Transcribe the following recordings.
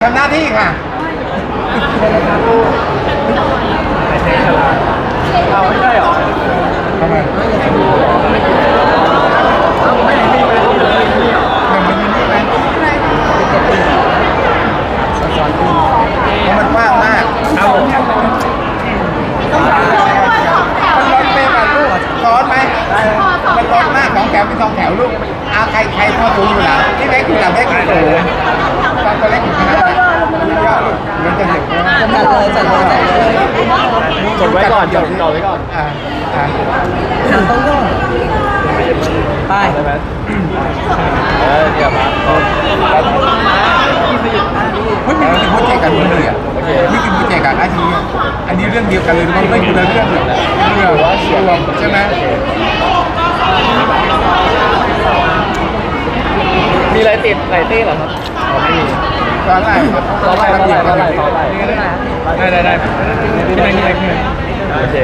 ทำหน้าที่ค่ะเอาไม่ได้หรอทำไมไม่มีไหมมันมีนี่ไหมมันกว้างมากเอามันร้อนเป๊ะแบบลูกร้อนไหมมันร้อนมากของแถวเป็น2 แถวลูกเอาใครพอสูงอยู่หลังที่เล็กอยู่หลังเล็กอยู่สูงตอนตัวเล็กอยู่ข้างหน้าเยอะลูกมันจะเห็นจัดเลยจดไว้ก่อนจดไว้ก่อนต้องย่อไปได้ไหมเดี๋ยวมาเฮ้ยมีโปรเจกต์กันเลยอ่ะมีโปรเจกต์กันอันนี้เรื่องเดียวกันเลยมันไม่คนละเรื่องเลยเรื่องว่าเชียร์ใช่ไหมมีอะไรติดไหลเต้เหรอครับไม่มีตอนแรกต่อไปได้ที่ไหนโอเค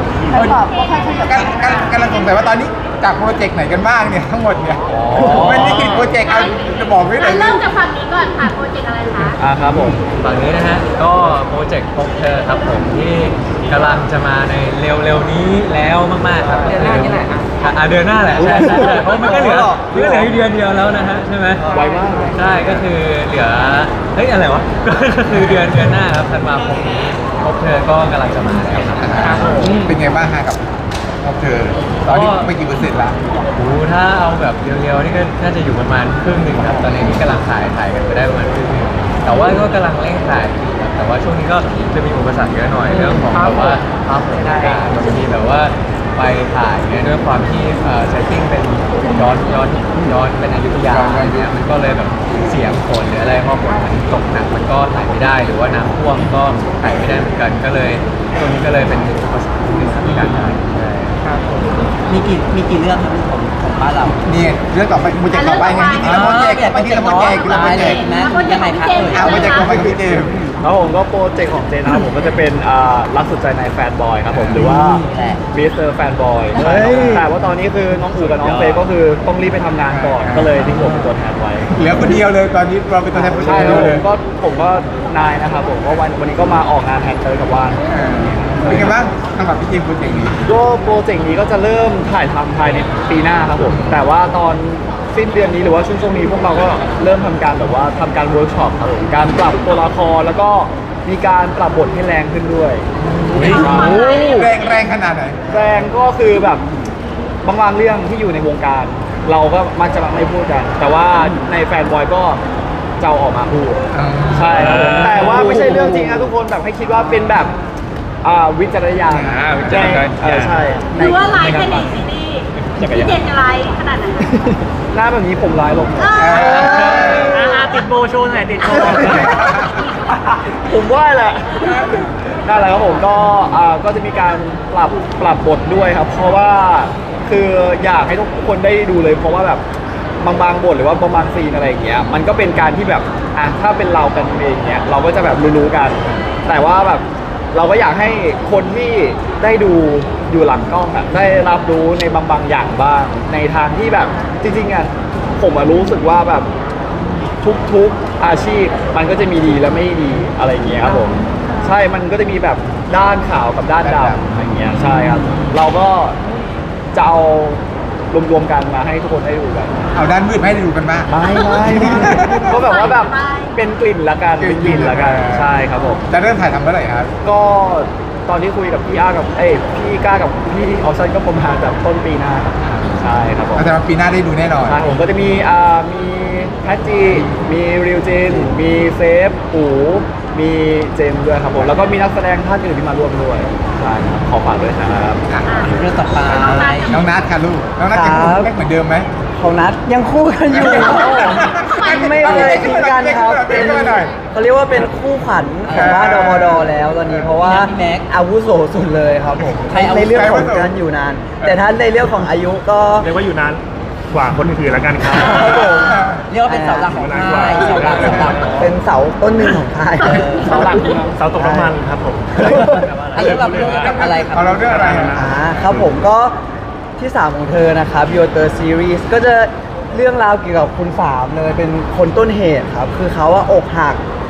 กำลังสงสัยว่าตอนนี้จากโปรเจกต์ไหนกันบ้างเนี่ยทั้งหมดเนี่ยมันนี่กี่โปรเจกต์เอาจะบอกไม่ได้เริ่มจากฝั่งนี้ก่อนค่ะโปรเจกต์อะไรคะครับผมฝั่งนี้นะฮะก็โปรเจกต์พบเธอครับผมที่กำลังจะมาในเร็วๆนี้แล้วมากๆครับเดือนหน้านี่แหละเดือนหน้าแหละใช่เพราะมันก็เหลือเดือนเดียวแล้วนะฮะใช่ไหมไวมากใช่ก็คือเหลือเฮ้ยอะไรวะก็คือเดือนหน้าครับธันวาคมนี้พบเธอก็กำลังจะมาแล้วครับเป็นไงบ้างฮะกับพบเธอตอนนี้ไม่กี่เปอร์เซ็นต์ละโอ้ถ้าเอาแบบเร็วๆนี่ก็น่าจะอยู่ประมาณครึ่งหนึ่งครับตอนนี้กำลังถ่ายกันไปได้ประมาณครึ่งหนึ่งแต่ว่าก็กำลังเร่งถ่ายครับแต่ว่าช่วงนี้ก็จะมีอุปสรรคเยอะหน่อยเรื่องของแบบว่าภาพถ่ายบางทีแบบว่าไปถ่ายเนี่ยด้วยความที่เซตติ้งเป็นย้อนเป็นอยุธยาเนี่ยมันก็เลยแบบเสียงฝนหรืออะไรพอฝนมันตกหนักมันก็ถ่ายไม่ได้หรือว่าน้ำท่วมก็ถ่ายไม่ได้เหมือนกันก็เลยช่วงนี้ก็เลยเป็นอุปสรรคในการถ่ายมีกี่เรื่องครับของบ้านเรานี่เรื่องต่อไปโปรเจกต์ต่อไปไงที่เราโปรเจกต์ที่เราโปรเจกต์นะยังไงครับโปรเจกต์ต่อไปกับพี่เจมแล้วผมก็โปรเจกต์ของเจนนะครับผมก็จะเป็นรักสุดใจในแฟนบอยครับผมหรือว่ามิสเตอร์แฟนบอยแต่ว่าตอนนี้คือน้องอู๋กับน้องเฟย์ก็คือต้องรีบไปทำงานก่อนก็เลยทิ้งผมเป็นตัวแทนไว้เหลือคนเดียวเลยตอนนี้เราเป็นตัวแทนคนเดียวเลยผมก็นายนะครับผมก็วันนี้ก็มาออกงานแทนเตอร์กับว่านเป็นไงบ้างสำหรับพี่เจมโปรเจกต์นี้ก็โปรเจกต์นี้ก็จะเริ่มถ่ายทำภายในปีหน้าครับผมแต่ว่าตอนสิ้นเดือนนี้หรือว่าช่วงนี้พวกเราก็เริ่มทำการแบบว่าทำการเวิร์กช็อปครับผมการปรับตัวละครแล้วก็มีการปรับบทให้แรงขึ้นด้วยแรงขนาดไหนแรงก็คือแบบบางเรื่องที่อยู่ในวงการเราก็มักจะไม่พูดกันแต่ว่าในแฟนบอยก็จะออกมาพูดใช่ครับผมแต่ว่าไม่ใช่เรื่องจริงนะทุกคนแบบให้คิดว่าเป็นแบบวิจารณญาณใช่หรือว่าไลฟ์แค่ในซีรีส์พี่เจนจะไลฟ์ขนาดไหนหน้าแบบนี้ผมร้ายลงติดโบโชว์หน่อยติดโบผมว่าแหละนั่นแหละครับผมก็จะมีการปรับบทด้วยครับเพราะว่าคืออยากให้ทุกคนได้ดูเลยเพราะว่าแบบบางบทหรือว่าบางซีนอะไรอย่างเงี้ยมันก็เป็นการที่แบบถ้าเป็นเรากันเองเนี้ยเราก็จะแบบรู้กันแต่ว่าแบบเราก็อยากให้คนที่ได้ดูอยู่หลังกล้องได้รับรู้ในบางอย่างบ้างในทางที่แบบจริงๆผมรู้สึกว่าแบบทุกอาชีพมันก็จะมีดีและไม่ดีอะไรอย่างเงี้ยครับผมใช่มันก็จะมีแบบด้านขาวกับด้านดำอะไรอย่างเงี้ยใช่ครับเราก็จะเอารวมกันมาให้ทุกคนได้ดูกันเอาด้านมืดให้ดูกันบ้างไม่ก็แบบว่าแบบเป็นกลิ่นละกันเป็นกลิ่นละกันใช่ครับผมจะเริ่มถ่ายทำเมื่อไหร่ครับก็ตอนที่คุยกับพี่อากับพี่ก้ากับพี่ออฟซันก็ประมาณแบบต้นปีหน้าครับใช่ครับผมแต่ปีหน้าได้ดูแน่นอนใช่ผมก็จะมีแพทจีมีริวจินมีเซฟอูมีเจมด้วยครับผมแล้วก็มีนักแสดงท่านอื่นที่มาร่วมด้วยใช่ขอฝากด้วยนะครับเรื่องต่อไปน้องนัทค่ะลูกน้องนัทยังคู่เหมือนเดิมไหมของนัทยังคู่กันอยู่ไม่เคยทิ้งกันครับเขาเรียกว่าเป็นคู่ขวัญของบ้านดมดแล้วตอนนี้เพราะว่าแม็กอาวุโสสุดเลยครับผมในเรื่องของการอยู่นานแต่ท่านในเรื่องของอายุก็เรียกว่าอยู่นานกว่าคนอื่นแล้วกันครับเรียกว่าเป็นเสาหลักของค่ายเสาหลักเป็นเสาต้นหนึ่งของค่ายเสาหลักเสาตกน้ำมันครับผมเรื่องอะไรครับเราเรื่องอะไรครับผมก็ที่3ของเธอนะครับ Your Third Series ก็จะเรื่องราวเกี่ยวกับคุณฝามเลยเป็นคนต้นเหตุครับคือเขาอกหัก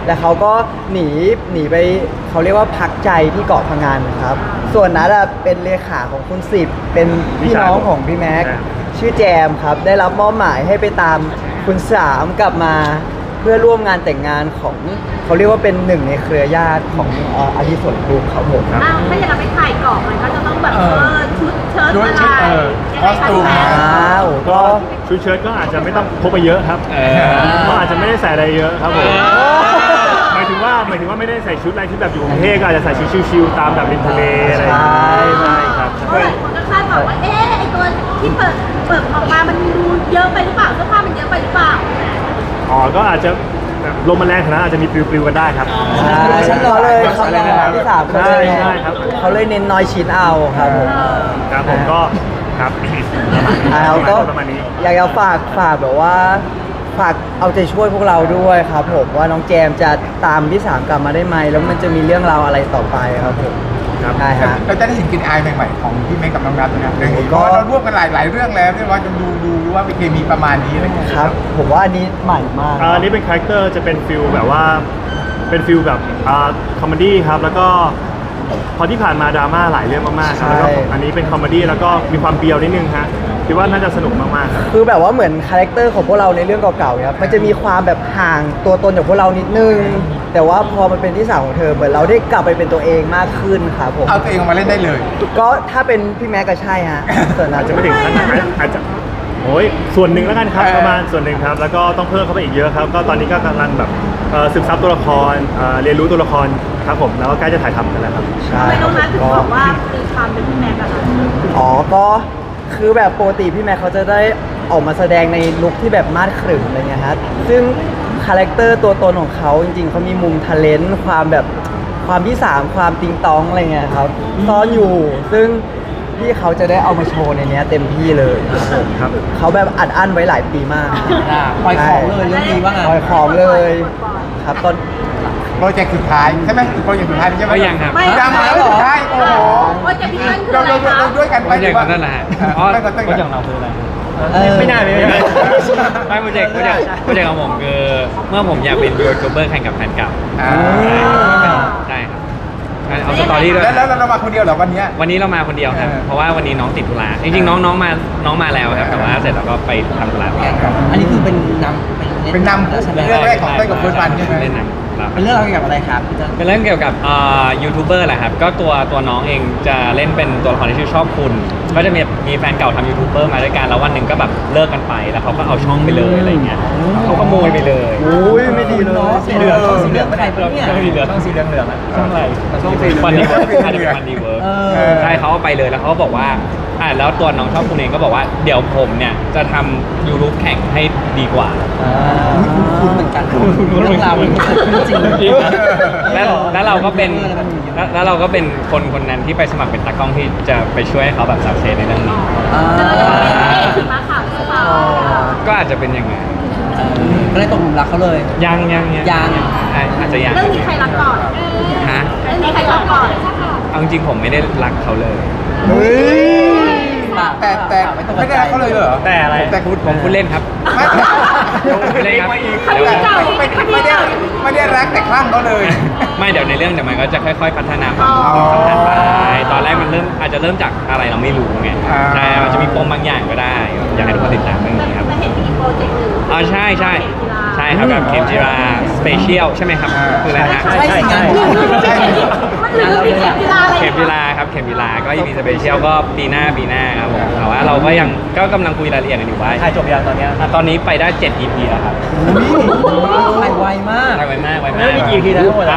แล้วเขาก็หนีไปเขาเรียกว่าพักใจที่เกาะพะงันครับ ส่วนนัทเป็นเลขาของคุณสิบเป็นพี่น้องของพี่แม็กชื่อแจมครับได้รับมอบหมายให้ไปตามคุณสามกลับมาเพื่อร่วมงานแต่งงานของเขาเรียกว่าเป็นหนึ่งในเครือญาติของอดิศรกรุ๊ปครับผมอ้าวถ้าอย่างเราไปถ่ายเกาะมันก็จะต้องแบบชุดเชิ้ตอะไรคอสตูมอ้าวก็ชุดเชิ้ตก็อาจจะไม่ต้องพกไปเยอะครับก็อาจจะไม่ได้ใส่อะไรเยอะครับผมหมายถึงว่าไม่ได้ใส่ชุดอะไรที่แบบอยู่กรุงเทพก็อาจจะใส่ชุดชิวๆตามแบบริมทะเลอะไรอย่างเงี้ยใช่ครับเพราะหลายคนก็คาดหวังว่าไอตัวที่เปิดออกมามันดูเยอะไปหรือเปล่าเสื้อผ้ามันเยอะไปหรือเปล่าอ๋อก็อาจจะแบบลมมันแรงขนาดนั้นอาจจะมีปลิวๆกันได้ครับฉันรอเลยเขาที่สามเขาเลยใช่ครับเขาเลยเน้นน้อยชิ้นเอาครับผมครับผมก็ครับแล้วก็ประมาณนี้อยากจะฝากแบบว่าฝากเอาใจช่วยพวกเราด้วยครับผมว่าน้องแจมจะตามพี่สามกลับมาได้ไหมแล้วมันจะมีเรื่องราวอะไรต่อไปครับผมครับใช่ฮะเราจะได้เห็นกลินอายใหม่ๆของพี่เมฆกับน้องนัทนะเรื่องนี้ก็ก็เราร่วมกันหลายเรื่องแล้วเนี่ยว่าจะดูว่ามีเคมีประมาณนี้อะไรเงี้ยครับผมว่าอันนี้ใหม่มากอันนี้เป็นคาแรคเตอร์จะเป็นฟิลแบบว่าเป็นฟิลแบบคอมเมดี้ครับแล้วก็พอที่ผ่านมาดราม่าหลายเรื่องมากๆครับแล้วก็ใช่อันนี้เป็นคอมเมดี้แล้วก็มีความเบียวนิดนึงฮะคิดว่าน่าจะสนุกมากๆครับคือแบบว่าเหมือนคาแรคเตอร์ของพวกเราในเรื่องเก่าๆครับมันจะมีความแบบห่างตัวตนจากพวกเรานิดนึง แต่ว่าพอมันเป็นที่สามของเธอเหมือนเราได้กลับไปเป็นตัวเองมากขึ้นครับผมเอาตัวเองออกมาเล่นได้เลยก็ถ้าเป็นพี่แม็กก็ใช่ฮะส่วนนั้อาน จจะไม่ถึงขั้นนั้นอาจจะโอ้ยส่วนหนึ่งแล้วกันครับประมาณส่วนหนึ่งครับแล้วก็ต้องเพิ่มเข้าไปอีกเยอะครับก็ตอนนี้ก็กำลังแบบซึมซับตัวละครเรียนรู้ตัวละครครับผมแล้วก็ใกล้จะถ่ายทำกันแล้วครับใช่ทำไมน้องนัทถึงก็บอกว่ามีความเป็นพี่แม็กซ์อะคะอ๋อก็คือแบบปกติพี่แม็กเขาจะได้ออกมาแสดงในลุคที่แบบมาดขรึมอะไรเงี้ยฮะซึ่งคาแรคเตอร์ตัวตนของเขาจริงๆเขามีมุมทะเลนต์ความแบบความที่สามความติงตองอะไรเงี้ยครับซ่อนอยู่ซึ่งพี่เขาจะได้เอามาโชว์ในเนี้ยเต็มที่เลยครับผมครับเขาแบบอัดอั้นไว้หลายปีมากปล่อยของเลยเรื่องนี้ว่าไงปล่อยของเลยครับตอนโปรเจกต์สุดท้ายใช่ไหมโปรเจกต์สุดท้ายใช่ไหมก็ยังครับไม่ยังแล้วสุดท้ายโอ้โหโอ้ยจะพี่นั่นคือเราอะไรคะด้วยกันไปโปรเจกต์นั่นแหละฮะอ๋อไม่ก็ต้องโปรเจกต์ของเราคืออะไรไม่น่าเลยไม่โปรเจกต์ของผมคือเมื่อผมอยากเป็นยูทูบเบอร์แข่งกับแฟนเก่าอ่าใช่ครับเอาสตอรี่ด้วยแล้วเรามาคนเดียวเหรอวันเนี้ยวันนี้เรามาคนเดียวครับ เพราะว่าวันนี้น้องติดธุระจริงๆน้องมาแล้วครับแต่ว่าเสร็จแล้วก็ไปทำธุระต่ออันนี้คือเป็นนำเป็นนำใช่ไหมเรื่องแรกของเต้ยกับเฟิร์สวันใช่ไหมเล่นหนังครับเป็นเรื่องเกี่ยวกับอะไรครับพี่เติ้ลเป็นเรื่องเกี่ยวกับยูทูบเบอร์แหละครับก็ตัวน้องเองจะเล่นเป็นตัวละครที่ชื่อชอบคุณก็จะมีแฟนเก่าทำยูทูบเบอร์มาด้วยกันแล้ววันหนึ่งก็แบบเลิกกันไปแล้วเขาก็เอาช่องไปเลยอะไรเงี้ยเขาขโมยไปเลยอุ้ยไม่ดีเลยสีเหลืองสีเหลืองใครเป็นเนี่ยช่องสีเหลืองช่องสีเหลืองอะช่องอะไรช่องสีเหลืองมันดีเวิร์กมันดีเวิร์ก ใช่เขาเอาไปเลยแล้วเขาก็บอกว่าแล้วตัวน้องชอบคุณเองก็บอกว่าเดี๋ยวผมเนี่ยจะทำยูทูบแข่งให้ดีกว่าคุณเหมือนกันเรื่องราวมันเกิดขึ้นจริงจริงนะแล้วเราก็เป็นแล้วเราก็เป็นคนนั้นที่ไปสมัครเป็นตากล้องที่จะไปช่วยให้เขาแบบสักเซสในเรื่องนี้จะเป็นสีม้าขาวหรือเปล่าก็อาจจะเป็นอย่างนั้นก็เลยตกหลุมรักเขาเลยยัง ใช่อาจจะยังเรื่องนี้ใครรักก่อนฮะเรื่องนี้ใครรักก่อนเอาจริงๆผมไม่ได้รักเขาเลยเฮ้ยแต่ไม่ได้รักเขาเลยเหรอแต่อะไรแต่ผมพูดเล่นครับไม่ผมพูดเล่นครับคดีเก่าอีกคดีเก่าอีกไม่ได้รักแต่คลั่งเขาเลยไม่เดี๋ยวในเรื่องเดี๋ยวมันก็จะค่อยๆพัฒนาความอ๋อสัมพันธ์ไปตอนแรกมันอาจจะเริ่มจากอะไรเราไม่รู้ไงอ่าใช่มันจะมีปมบางอย่างก็ได้ อยากให้ทุกคนติดตามเรื่องนี้ครับจะเห็นมีโปรเจกต์หนึ่งอ๋อใช่ครับแบบเข็มจีราสเปเชียลใช่ไหมครับคืออะไรนะฮะใช่สิงานมันเหลือผิดกีฬาอะไรเข็มจีราครับเข็มจีราก็ยังมีสเปเชียลก็ปีหน้าครับผมแต่ว่าเราก็ยังก็กำลังคุยรายละเอียดกันอยู่ว่าถ่ายจบยังตอนเนี้ยตอนนี้ไปได้ 7 EP แล้วครับไปไวมากไวมากแล้วมีกี่ EP นะทั้งหมดอะ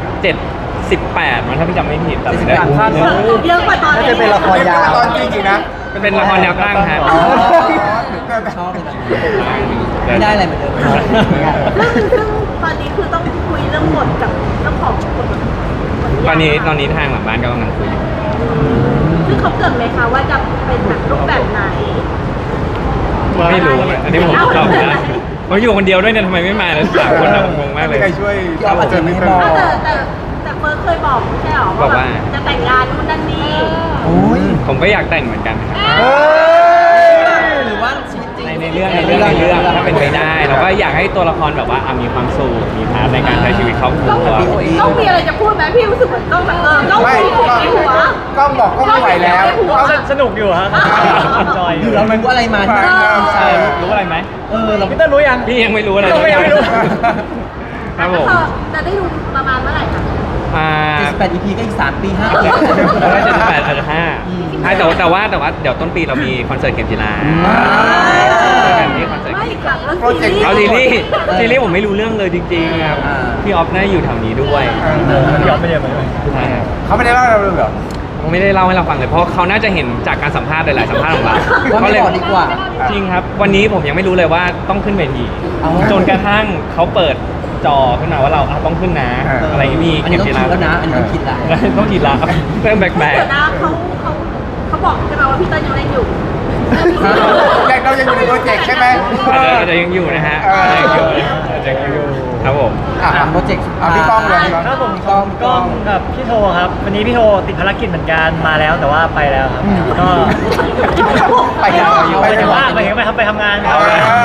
18มันถ้าพี่จำไม่ผิดแต่ไม่ได้เยอะกว่าตอนน่าจะเป็นละครยาวตอนจริงๆนะเป็นละครแนวตั้งครับอ๋อชอบเลยไม่ได้อะไรเหมือนเดิมเรื่องนึงซึ่งตอนนี้คือต้องคุยเรื่องบทกับเจ้าของบทตอนนี้ทางหลังบ้านก็กำลังคุยอยู่ซึ่งเขาเกิดไหมคะว่าจะเป็นแบบรูปแบบไหนไม่รู้เลยอันนี้ผมตอบไม่ได้ผมอยู่คนเดียวด้วยเนี่ยทำไมไม่มาเลยสามคนนะผมงงมากเลยใครช่วยยอมอาจจะไม่บอกแต่เฟิร์สเคยบอกไม่ใช่หรอบอกว่าจะแต่งงานนู่นนั่นนี่โอ้ยผมก็อยากแต่งเหมือนกันครับเฮ้ยหรือว่าชีวิตจริงในรื่องถ้าเป็นไปได้เราก็อยากให้ตัวละครแบบว่ามีความสุขมีพาร์ทในการใช้ชีวิตครอบครัวต้องมีอะไรจะพูดไหมพี่รู้สึกเหมือนต้องแบบต้องไม่มีหัวในหัวกล้องบอกก็ไม่ไหวแล้วสนุกอยู่ฮะจอยอยู่เรารู้อะไรมาที่ใช่รู้อะไรไหมเราพี่เต้นรู้ยังพี่ยังไม่รู้อะไรยังไม่รู้ครับผมจะได้ดูประมาณเมื่อไหร่คะ 78 EP ก็อีก3 ปี 5 ปีแล้วก็78อาจจะ5ใช่แต่ว่าเดี๋ยวต้นปีเรามีคอนเสิร์ตเข็มจีราแบบนี้คอนเสิร์ตไม่ค่ะแล้วโปรเจกต์เอาซีรีส์ผมไม่รู้เรื่องเลยจริงๆครับพี่ออฟน่าอยู่แถวนี้ด้วยยอมไม่เยอะเหมือนกันใช่ครับเขาไม่ได้เล่าเราเลยเหรอผมไม่ได้เล่าให้เราฟังเลยเพราะเขาน่าจะเห็นจากการสัมภาษณ์หลายๆสัมภาษณ์ของเราว่าไม่บอกดีกว่าจริงครับ วันนี้ผมยังไม่รู้เลยว่าต้องขึ้นเวทีเอาจนกระทั่งเขาเปิดจอขึ้นมาว่าเราต้องขึ้นนะอะไรอย่างนี้อันนี้ต้องคิดแล้วนะอันนี้ต้องคิดละต้องกินละเริ่มแบกเดี๋ยวนะเขาบอกใช่ไหมว่าพี่เต้ยยังเล่นอยู่แต่เรายังอยู่ในโปรเจกต์ใช่ไหมอาจจะยังอยู่นะฮะอาจจะยังอยู่ครับผมโปรเจกต์พี่ป้องเลยพี่ป้องครับผมกล้องกับพี่โทครับ วันนี้พี่โทติดภารกิจเหมือนกันมาแล้วแต่ว่าไปแล้วครับก็ไปแล้วไปถึงว่าไปทำงานครับ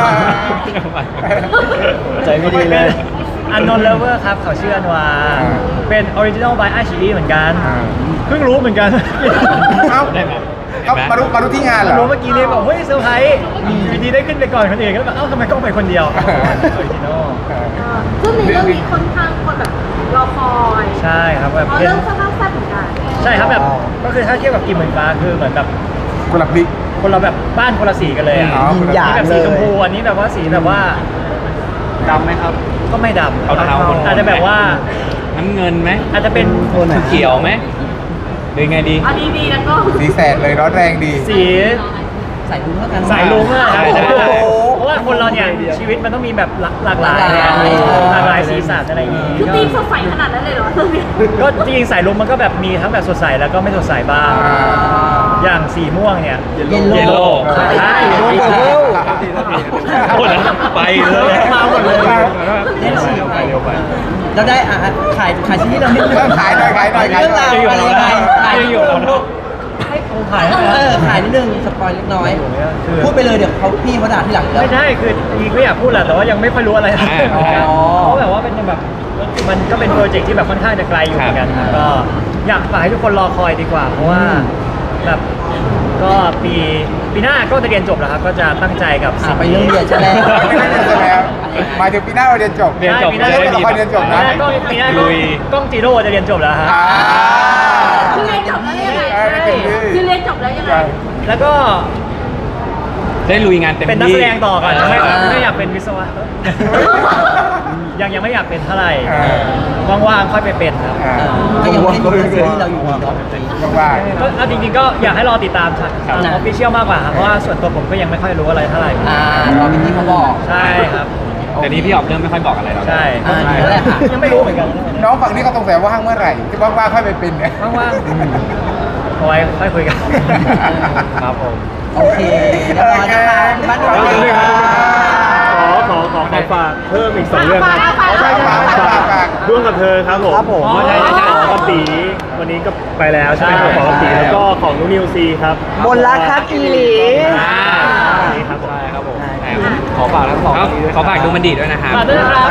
ใจไม่ดีเลยอันนนเลเวอร์ครับเขาชื่ออันวาเป็นออริจินอลบายไอชีเหมือนกันเพิ่งรู้เหมือนกันเอ้าได้ไหมเขามารู้ที่งานเหรอรู้เมื่อกี้นี้บอกเฮ้ยเซอร์ไพรส์อยู่ดีได้ขึ้นไปก่อนคนอื่นก็แบบเอ้าทำไมกล้องไปคนเดียวออริจินอลซึ่งในเรื่องนี้ค่อนข้างคนแบบรอคอยใช่ครับแบบเพราะเป็นเรื่องค่อนข้างแซ่บเหมือนกันใช่ครับแบบก็คือถ้าเทียบกับกิมเหมือนฟ้าคือเหมือนแบบคนละพลิกคนเราแบบบ้านคนละสีกันเลยอ่ะอ๋อยินหยานี่งแบบเลสียชมพูอันนี้แบบว่าสีแบบว่าดำไหมครับ ก็ไม่ดำเอาเทาอาจจะแบบว่าน้ำเงินไหมอาจจะเป็นเขียวไหมหรือไงดีอันนี้ดีแล้วก็สีแสดเลยร้อนแรงดีสีใส่ลุ้งแล้วกันสายลุงอะครับใช่เพราะว่าคนเราเนี่ยชีวิตมันต้องมีแบบหลากหลายอะหลากหลายสีสันอะไรอย่างงี้คือตีมสดใสขนาดนั้นเลยเหรอเรื่องนี้ก็จริงๆสายลุงมันก็แบบมีทั้งแบบสดใสแล้วก็ไม่สดใสบ้าง อย่างสีม่วงเนี่ยเยลโล่ใช่โดนเบิร์โอ้ยไปเลยมาหมดเลยเล่นฉีกไปเร็วไปแล้วได้ขายชิ้นที่เรานิดนึงเริ่มขายหน่อยขายหน่อยเรื่องราวอะไรยังไงขายจะอยู่เราเนาะให้คงถ่ายให้นะขายนิดนึงสปอยเล็กน้อยคือพูดไปเลยเดี๋ยวพี่เขาด่าที่หลังแล้วไม่ใช่คือจริงๆก็อยากพูดแหละแต่ว่ายังไม่ค่อยรู้อะไรอ๋อเพราะแบบว่าเป็นแบบมันก็เป็นโปรเจกต์ที่แบบค่อนข้างจะไกลอยู่เหมือนกันครับก็อยากฝากให้ทุกคนรอคอยดีกว่า เพราะว่าแบบก็ปีหน้าก็จะเรียนจบแล้วครับก็จะตั้งใจกับสิ่งไปเรื่องเรียนใช่ไหมไม่ได้เรียนแล้วหมายถึงปีหน้าเราเรียนจบเรียนจบปีหน้าเล่นละครเรียนจบนะปีหน้าลุยกล้องจีโร่จะเรียนจบแล้วฮะคือเรียนจบแล้วยังไงใช่คือเรียนจบแล้วยังไงแล้วก็ได้ลุยงานเต็มที่เป็นนักแสดงต่อก่อนไม่อยากเป็นวิศวะยังไม่อยากเป็นเท่าไหร่ว่างๆค่อยไปเป็นครับก็ยังไม่ได้ดูเรื่องซีรีส์เราอยู่ดีเนาะว่าก็เอาจริงๆก็อยากให้รอติดตามทางออฟฟิเชียลมากกว่าครับเพราะว่าส่วนตัวผมก็ยังไม่ค่อยรู้อะไรเท่าไหร่รอพี่ที่เขาบอกใช่ครับแต่นี้พี่ออกเริ่มไม่ค่อยบอกอะไรแล้วใช่นั่นแหละค่ะยังไม่รู้เหมือนกันน้องฝั่งนี้เขาสงสัยว่างเมื่อไหร่ที่ว่างๆค่อยไปเป็นเนี่ยว่างๆเอาไว้ค่อยคุยกันครับผมโอเคเรียบร้อยนะคะบ้านเราเลยค่ะขอฝากเพิ่มอีก2เรื่องครับฝากร่วมกับเธอครับผมครับผมใช่ของกตีวันนี้ก็ไปแล้วใช่ไหมของกตีแล้วก็ของนุนิวซีครับมนรักฮักอีหลีนี่ครับผมใช่ครับผมขอฝากทั้งสองขอฝากดูมันดีด้วยนะครับฝากด้วยนะครับ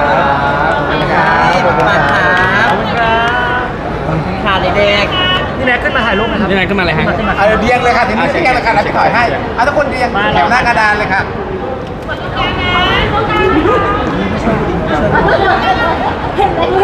ขอบคุณมากครับขอบคุณครับขอบคุณค่ะเด็กพี่แม็กขึ้นมาถ่ายรูปนะครับยังไงขึ้นมาเลยฮะขึ้นมาเอาเรียงเลยค่ะทีนี้เรียงเลยค่ะเราจะถอยให้เอาทุกคนเรียงแถวหน้ากระดานเลยค่ะเห็นไหม